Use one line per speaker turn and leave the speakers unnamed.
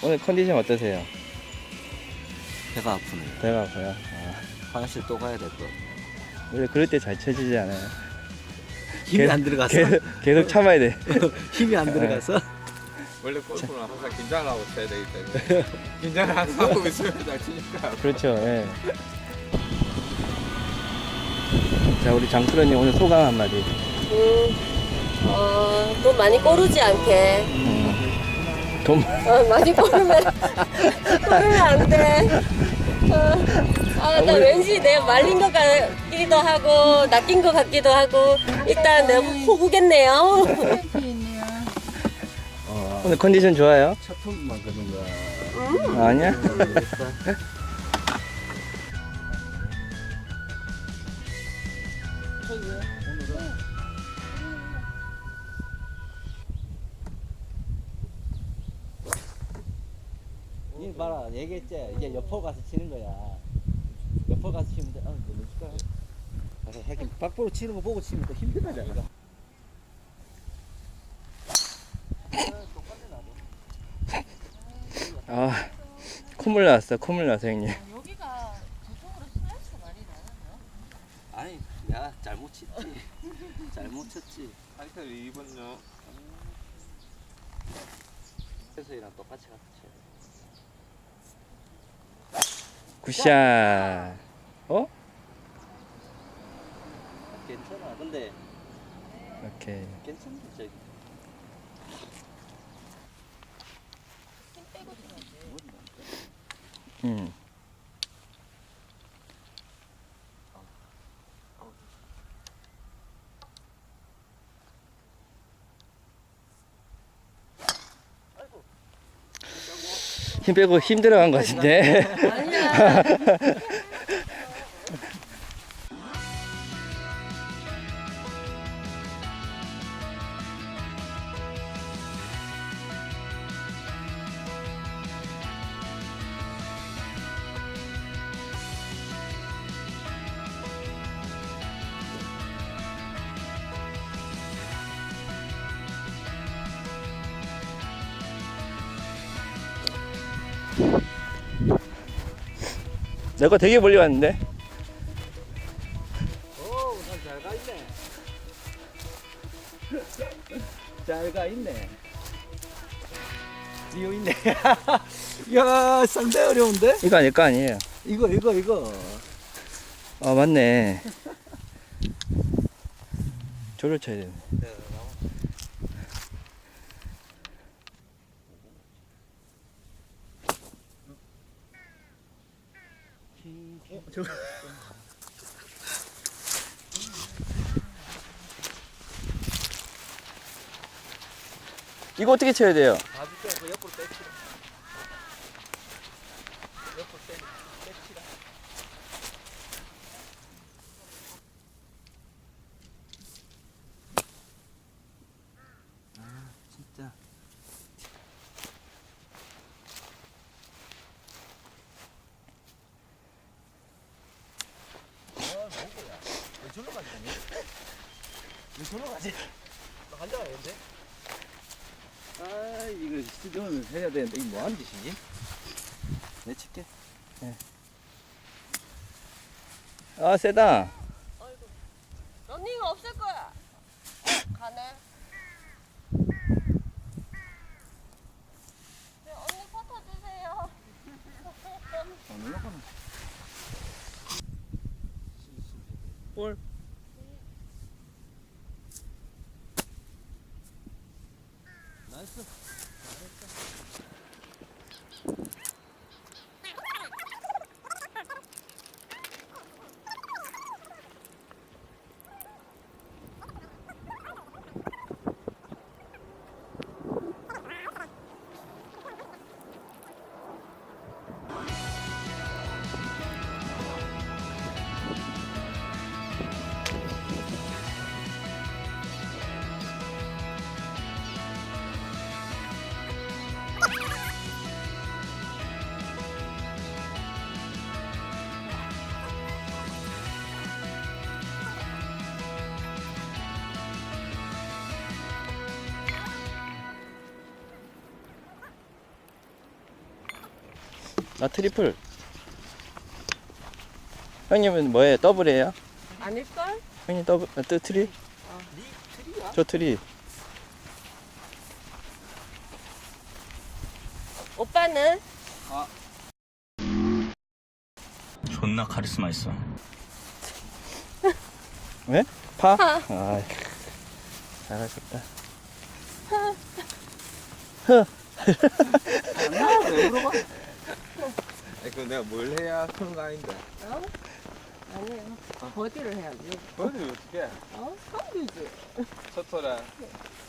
오늘 컨디션 어떠세요?
배가 아프네요.
배가 아파요?
화장실 또 가야 될 것 같아요.
원래 그럴 때 잘 쳐지지 않아요?
힘이 안 들어가서.
계속 참아야 돼.
힘이 안 들어가서.
원래 골프는 항상 긴장을 하고 쳐야 되기 때문에 긴장을 항상 하고 있으면 잘 치니까.
그렇죠. 예. 자, 우리 장프로님 오늘 소감 한마디.
돈 많이 꼬르지 않게.
돈
많이 꼬르면 안 돼. 나 왠지 내가 말린 것 같기도 하고 낚인 것 같기도 하고 일단 내가 호구겠네요.
오늘 컨디션 좋아요?
첫 톤만 그런 거.
아니야?
이 봐라, 얘기했지. 이제 옆으로 가서 치는 거야. 옆으로 가서 치면 돼. 너무 줄까? 가서 하긴 밖으로 치는 거 보고 치면 또 힘들잖아.
아, 콧물 나왔어. 콧물 나서 형님.
여기가 저쪽으로 스트레스 많이 나요?
아니, 야 잘못 쳤지. 잘못 쳤지.
타이틀 2번요.
해서이랑 똑같이 가서 쳐.
굿샷. 어?
괜찮아. 근데
오케이.
괜찮지 저기.
음. 힘 빼고 힘들어간 것 같은데.
아니야.
내 거 되게 멀리 왔는데.
오, 난 잘 가 있네. 잘 가 있네. 뛰어 있네. 야, 상당히 어려운데?
이거 아닐 거 아니에요.
이거.
아, 맞네. 저를 쳐야 되네. 이거 어떻게 쳐야 돼요?
봐줄게. 그 옆으로 빼치라. 옆으로 빼치라. 아, 진짜. 왜 저로 가지? 왜 저로 가지? 너 앉아가야겠는데? 아, 이거 수정을 해야 되는데 이거 뭐하는 짓이지? 내 칠게.
아, 세다.
런닝 없을 거야. 가네. 언니 포터 주세요.
안 올라가네.
볼.
나이스.
나 트리플. 형님은 뭐예요? 더블이에요?
아닐걸?
형님 더블, 또 트리? 저 트리.
오빠는?
존나 카리스마 있어. 왜? 파?
파.
아, 잘하셨다.
왜 물어봐? 그럼 내가 뭘 해야 그런 거 아닌데.
어? 아니에요. 버디를 해야지.
그걸 어떻게 해?
어? 하면 되지.
첫 톨에